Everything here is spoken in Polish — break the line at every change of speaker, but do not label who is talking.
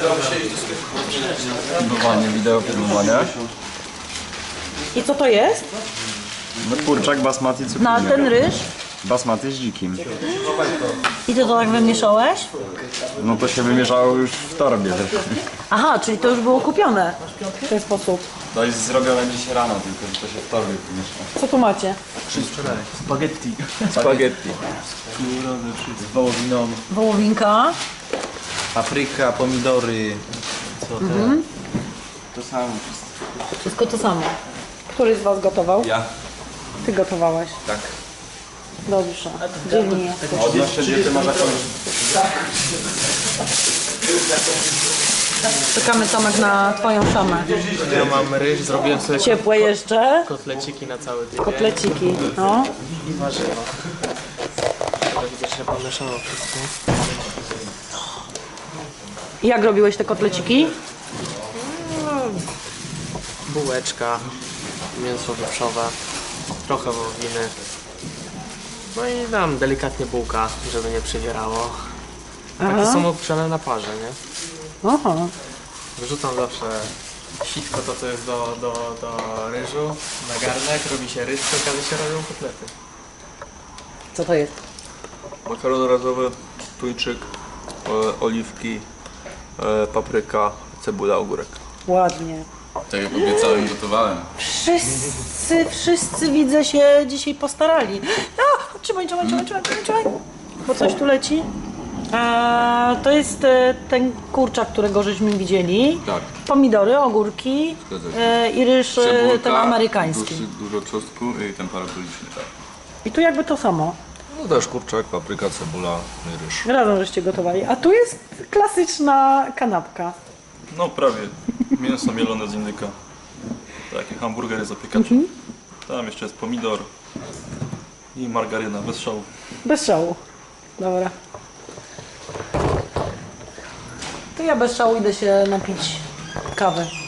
Filmowanie, wideo filmowania.
I co to jest?
No kurczak basmati cukinia.
Na ten ryż?
Basmati z dzikim.
I ty to tak wymieszałeś?
No to się wymieszało już w torbie.
Aha, czyli to już było kupione w ten sposób.
To jest zrobione dziś rano, tylko że to się w torbie wymieszało.
Co tu macie?
Spaghetti.
Spaghetti.
Z wołowiną.
Wołowinka.
Papryka, pomidory. Co te?
To samo.
Wszystko to samo. Który z was gotował?
Ja.
Ty gotowałeś.
Tak.
Dobrze. Dzielnie jesteś.
Odnośnie diety ma jakąś...
Czekamy, Tomek, na twoją szamę.
Ja mam ryż, zrobiłem sobie
Ciepłe jeszcze.
kotleciki na cały tydzień
Kotleciki. No.
i warzywa. Teraz widzę, że pomieszało wszystko.
I jak robiłeś te kotleciki?
Bułeczka, mięso wieprzowe, trochę wołowiny. No i dam delikatnie bułka, żeby nie przywierało. Takie są obgrzane na parze, nie?
Aha.
Wrzucam zawsze sitko, to co jest do ryżu, na garnek, robi się ryż, przy okazji się robią kotlety.
Co to jest?
Makaron razowy, tuńczyk, oliwki, papryka, cebula, ogórek.
Ładnie.
Tak jak obiecałem, gotowałem.
Wszyscy widzę się dzisiaj postarali. A, trzymaj. Bo coś tu leci. To jest ten kurczak, którego żeśmy widzieli.
Tak.
Pomidory, ogórki
Zgadza się.
i ryż ten amerykański.
Dużo czosnku i ten paraboliczny, tak.
I tu jakby to samo.
No też kurczak, papryka, cebula, ryż.
Razem żeście gotowali. A tu jest klasyczna kanapka.
No prawie. Mięso mielone z indyka. Takie hamburgery zapiekacze. Tam jeszcze jest pomidor i margaryna bez szału.
Bez szału. Dobra. To ja bez szału idę się napić kawy.